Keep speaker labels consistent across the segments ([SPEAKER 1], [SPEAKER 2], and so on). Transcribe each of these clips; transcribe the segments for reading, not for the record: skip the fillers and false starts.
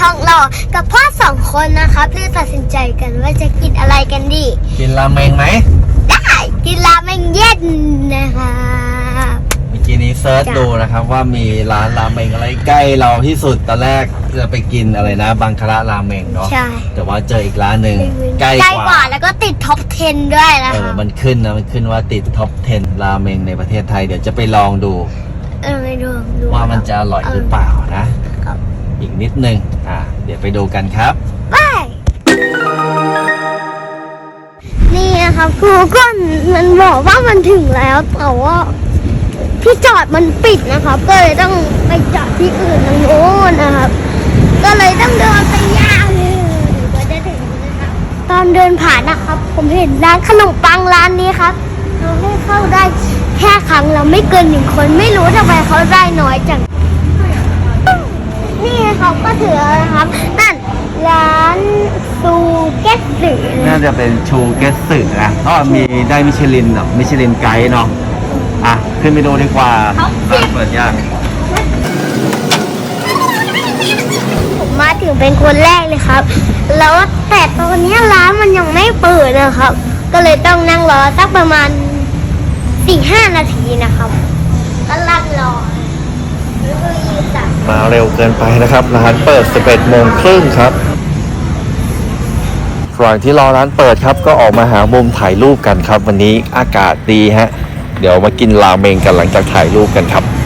[SPEAKER 1] ทองหล่อกับพ่อ2 คนนะครับเลยตัดสินใจกันว่าจะกินอะไรกันดี
[SPEAKER 2] กินราเมงไหม
[SPEAKER 1] ได้กินราเมงเย็นนะครับ
[SPEAKER 2] เมื่อกี้นี้เซิร์ชดูนะครับว่ามีร้านราเมงอะไรใกล้เราที่สุดตอนแรกจะไปกินอะไรนะบังคาระราเมงเนาะ
[SPEAKER 1] ใช่
[SPEAKER 2] แต่ว่าเจออีกร้านหนึ่งใกล้
[SPEAKER 1] ก
[SPEAKER 2] กว่า
[SPEAKER 1] ว่าแล้วก็ติดท็อป 10 ด้วยนะ
[SPEAKER 2] มันขึ้นว่าติดท็อป 10 ราเมงในประเทศไทยเดี๋ยวจะไปลองดู
[SPEAKER 1] ไม่ดู
[SPEAKER 2] ว่ามันจะอร่อยหรือเปล่านะ อีกนิดนึงเดี๋ยวไปดูกันครับ
[SPEAKER 1] ไปนี่นะครับครูก็มันบอกว่ามันถึงแล้วแต่ว่าที่จอดมันปิดนะครับก็เลยต้องไปจอดที่อื่นทางโน้นนะครับก็เลยต้องเดินไปยาวเลยกว่าจะถึงนะครับตอนเดินผ่านนะครับผมเห็นร้านขนมปังร้านนี้ครับเราให้เข้าได้แค่ครั้งเราไม่เกิน1 คนไม่รู้ทำไมเขาได้น้อยจังนี่เขาก็ถือนะครับนั่นร้านซูเกสสึ
[SPEAKER 2] น่าจะเป็นชูเกสสึนะเพราะมีได้มิชลินมิชลินไกด์เนาะขึ้นไปดูดีกว่าร้านเปิดยาก
[SPEAKER 1] ผมมาถึงเป็นคนแรกเลยครับแล้วแต่ตอนนี้ร้านมันยังไม่เปิดนะครับก็เลยต้องนั่งรอสักประมาณ 4-5 นาทีนะครับก็ลังรอ
[SPEAKER 2] มาเร็วเกินไปนะครับร้านเปิด 11 โมงครึ่งครับระหว่างที่รอร้านเปิดครับก็ออกมาหามุมถ่ายรูปกันครับวันนี้อากาศดีฮะเดี๋ยวมากินราเมงกันหลังจากถ่ายรูปกันครับ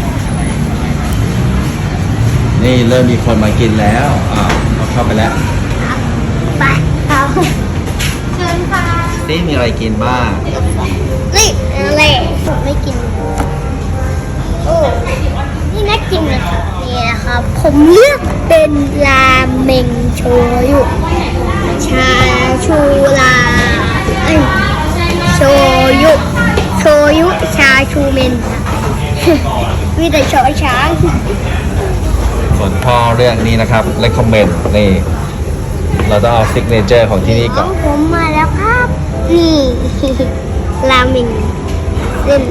[SPEAKER 2] นี่เริ่มมีคนมากินแล้วเราเข้าไปแล้ว
[SPEAKER 1] ไปเอาเชิญค่ะ
[SPEAKER 2] นี่มีอะไรกินบ้าง
[SPEAKER 1] นี่อะไรผมไม่กินโอ้นี่น่ากินนะครับนี่นะครับผมเลือกเป็นราเมงโชยุชาชูราโชยุชาชูเมนมีแต่ชอช้าง
[SPEAKER 2] ส่วนพ่อเรื่องนี้นะครับ recommend นี่เราต้องเอาซิกเนเจอร์ของที่นี่ก่อน
[SPEAKER 1] ผมมาแล้วครับนี่ราเมงเส้น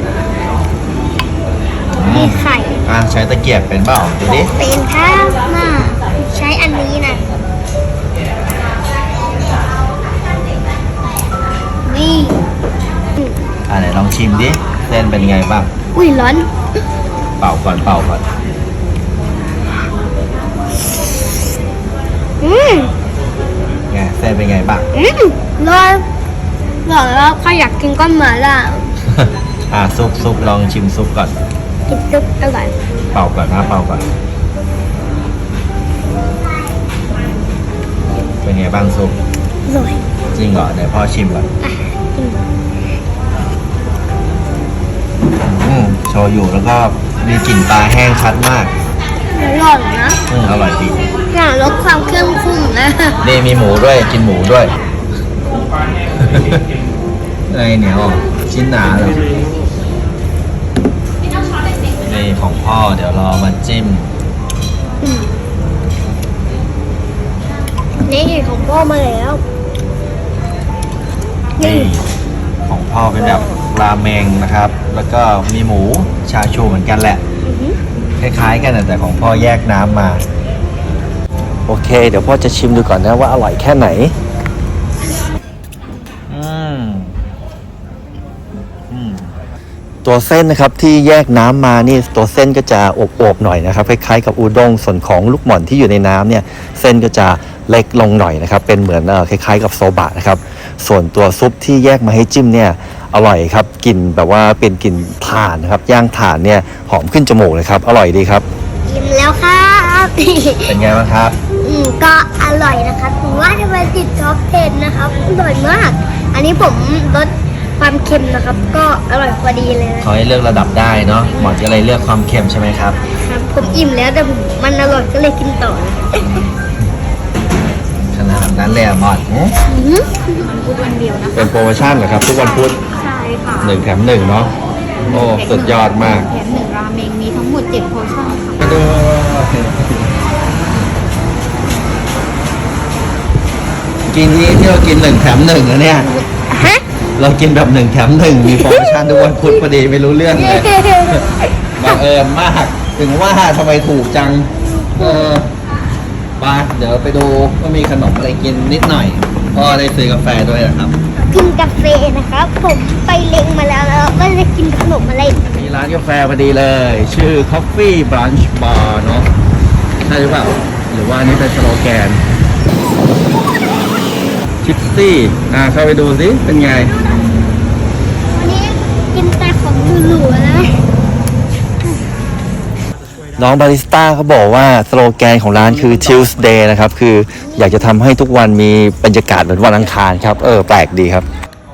[SPEAKER 1] มีไข่
[SPEAKER 2] ใช้ตะเกียบเป็นเปล่าดูดิ
[SPEAKER 1] เป็นครับมาใช้อันนี้นะนี่
[SPEAKER 2] ไหนลองชิมดิเส้นเป็นไงบ้าง
[SPEAKER 1] อุ้ยร้อน
[SPEAKER 2] เป่าก่อนไงเส้นเป็นไงบ้าง
[SPEAKER 1] ร้อนบอกแล้วใครอยากกินก็มาล่ะ
[SPEAKER 2] ซุปลองชิมซุปก่อน
[SPEAKER 1] กินซุปอร่อย
[SPEAKER 2] เป่าก่อนเป็นไงบ้างซุป
[SPEAKER 1] อร่อย
[SPEAKER 2] จริงเหรอเดี๋ยวพ่อชิมก่อนโชยุแล้วก็มีกลิ่นปลาแห้งชัดมาก
[SPEAKER 1] อร่อยนะ
[SPEAKER 2] อร่อยดี
[SPEAKER 1] อยากลดความเข้มข้นนะ
[SPEAKER 2] นี่มีหมูด้วยกินหมูด้วย ไอเหนียวชิ้นหนาเลยนี่ของพ่อเดี๋ยวรอมาจิ้ม
[SPEAKER 1] นี่ของพ่อมาแล้ว
[SPEAKER 2] นี่ของพ่อเป็นแบบราเมงนะครับ แล้วก็มีหมูชาชูเหมือนกันแหละคล้ายๆกันแต่ของพ่อแยกน้ำมาโอเคเดี๋ยวพ่อจะชิมดูก่อนนะว่าอร่อยแค่ไหนตัวเส้นนะครับที่แยกน้ำมานี่ตัวเส้นก็จะอวบๆหน่อยนะครับคล้ายๆกับอูด้งส่วนของลูกหม่อนที่อยู่ในน้ำเนี่ยเส้นก็จะเล็กลงหน่อยนะครับเป็นเหมือนคล้ายๆกับโซบะนะครับส่วนตัวซุปที่แยกมาให้จิ้มเนี่ยอร่อยครับกลิ่นแบบว่าเป็นกลิ่นถ่านนะครับย่างถ่านเนี่ยหอมขึ้นจมูกเลยครับอร่อยดีครับ
[SPEAKER 1] อิ่มแล้วครับ
[SPEAKER 2] เป็นไงบ้างครับ
[SPEAKER 1] ก็อร่อยนะครับผมว่าจะไปติดท็อป 10 นะครับอร่อยมาก อันนี้ผมลดความเค็มนะครับ ก็อร่อยพอดีเลยนะ
[SPEAKER 2] เขาให้เลือกระดับได้เนาะหมอจะเลยเลือกความเค็มใช่ไหมครับ
[SPEAKER 1] ครับผมอิ่มแล้วแต่มันอร่อยก็เลยกินต่อ
[SPEAKER 2] ขนาดนั้นเลยอะหมอด
[SPEAKER 3] ทุกวันเดียวนะ
[SPEAKER 2] เป็นโปรโมชั่นเหรอครับทุกวันพุธ
[SPEAKER 3] ใช่ค่ะ
[SPEAKER 2] 1 แถม 1เนาะโอ้สุดยอดมาก
[SPEAKER 3] แถม1ราเมงมีทั้งหมด7โพชั่นค่ะ
[SPEAKER 2] ไปดูกินนี้ที่เรากิน1 แถม 1นะเนี่ย
[SPEAKER 1] ฮะ
[SPEAKER 2] เรากินแบบ1 แถม 1มีโปรโมชั่นทุกวันพุธพอดีไม่รู้เรื่องเลยบังเอิญมากถึงว่าทำไมถูกจังไปยวไปดูว่ามีขนมอะไรกินนิดหน่อยพ่อได้ซื้อกาแฟด้วยนะครับ
[SPEAKER 1] กินกาแฟนะครับ ผมไปเล็งมาแล้วว่าจะกินขนมอะไร
[SPEAKER 2] มีร้านกาแฟพอดีเลย ชื่อ Coffee Brunch Bar เนอะใช่หรือเปล่า หรือว่าอันนี้เป็นสโลแกนชิปซี่เข้าไปดูสิเป็นไง
[SPEAKER 1] วันนี้กินแต่ของหรูๆนะ
[SPEAKER 2] น้องบาริสต้าเขาบอกว่าสโลแกนของร้านคือ Tuesday นะครับ คืออยากจะทำให้ทุกวันมีบรรยากาศเหมือนวันอังคารครับ แปลกดีครับ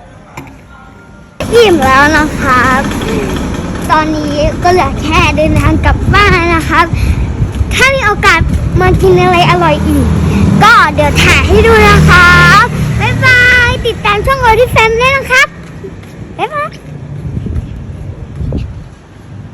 [SPEAKER 1] อิ่มแล้วนะครับ ตอนนี้ก็เหลือแค่เดินทางกลับบ้านนะครับ ถ้ามีโอกาสมากินอะไรอร่อยอีก ก็เดี๋ยวถ่ายให้ดูนะครับ บ๊ายบาย ติดตามช่องโอที่แฟมด้วยนะครับ บ๊ายบาย